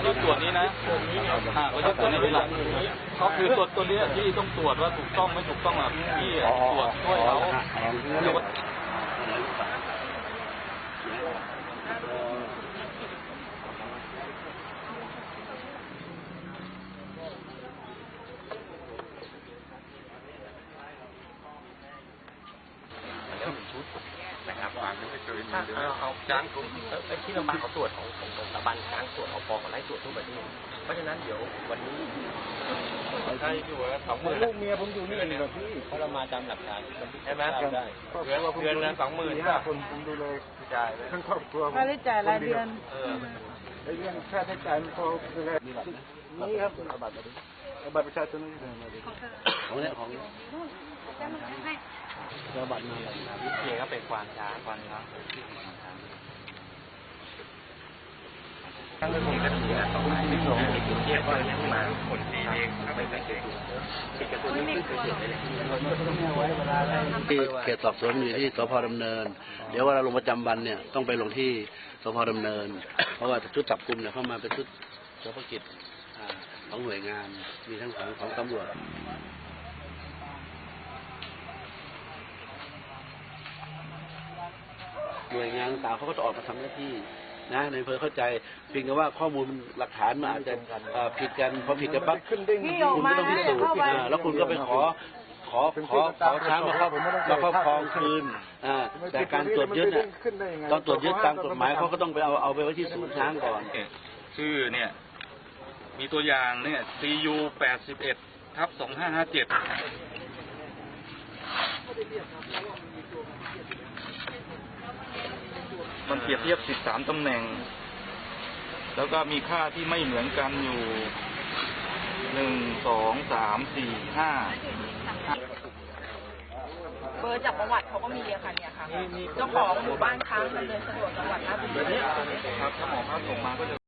ยึดตรวจนี้นะเขายึดตรวจนี้เป็นหลักก็คือตรวจตัวนี้ที่ต้องตรวจว่าถูกต้องไม่ถูกต้องแบบที่ตรวจช่วยเขานะครับวางไม่เคยมีเลยเอาจ้างกลุ่มที่โรงพยาบาลเขาตรวจของสถาบันกลางตรวจเอาปอเขาไล่ตรวจทั่วประเทศเพราะฉะนั้นเดี๋ยววันนี้ใช่อยู่แล้ว20,000 ลูกเมียผมอยู่นี่เองแบบพี่เขาเรามาจำหลักฐานใช่ไหมได้เดือนละ20,000 คนผมดูแลจ่ายทั้งครอบครัวค่าใช้จ่ายรายเดือนไอ้เรื่องค่าใช้จ่ายมันพอดูแลนี่ครับเอาบัตรมาดิเอาบัตรประชาชนนี่มาดิของเนี่ยของเอาบัตรมาวิเชียก็เป็นควานช้างตั้งแต่ผมก็ถือนะต่อไปไม่ลงเทียบว่ายังมาคนดีเองไม่เก่งติดกับตัวนี้ไม่เคยเห็นเลยที่เขตสอบสวนอยู่ที่สพ.ดำเนินเดี๋ยวว่าเราลงประจำวันเนี่ยต้องไปลงที่สพ.ดำเนินเพราะว่าชุดจับกุมเนี่ยเข้ามาเป็นชุดเฉพาะกิจของหน่วยงานมีทั้งของตำรวจหน่วยงานต่างเขาก็จะออกมาทำหน้าที่นะในอำเภอเข้าใจเพียงแต่ว่าข้อมูลหลักฐานมันอาจจะผิดกันพอผิดกันปั๊บคุณก็ต้องพิสูจน์แล้วคุณก็ไปขอช้างมาครอบครองคืนแต่การตรวจยึดเนี่ยตอนตรวจยึดตามกฎหมายเขาก็ต้องไปเอาไปไว้ที่ศูนย์ช้างก่อนชื่อเนี่ยมีตัวอย่างเนี่ย CU 81/2557มันเปรียบเทียบ13ตำแหน่งแล้วก็มีค่าที่ไม่เหมือนกันอยู่1 2 3 4 5 เบอร์จากประวัติเขาก็มีอะค่ะเนี่ยค่ะเจ้าของหมู่บ้านค้างดำเนินสะดวกจังหวัดราชบุรีครับถ้าหมอภาพส่งมาก็จะ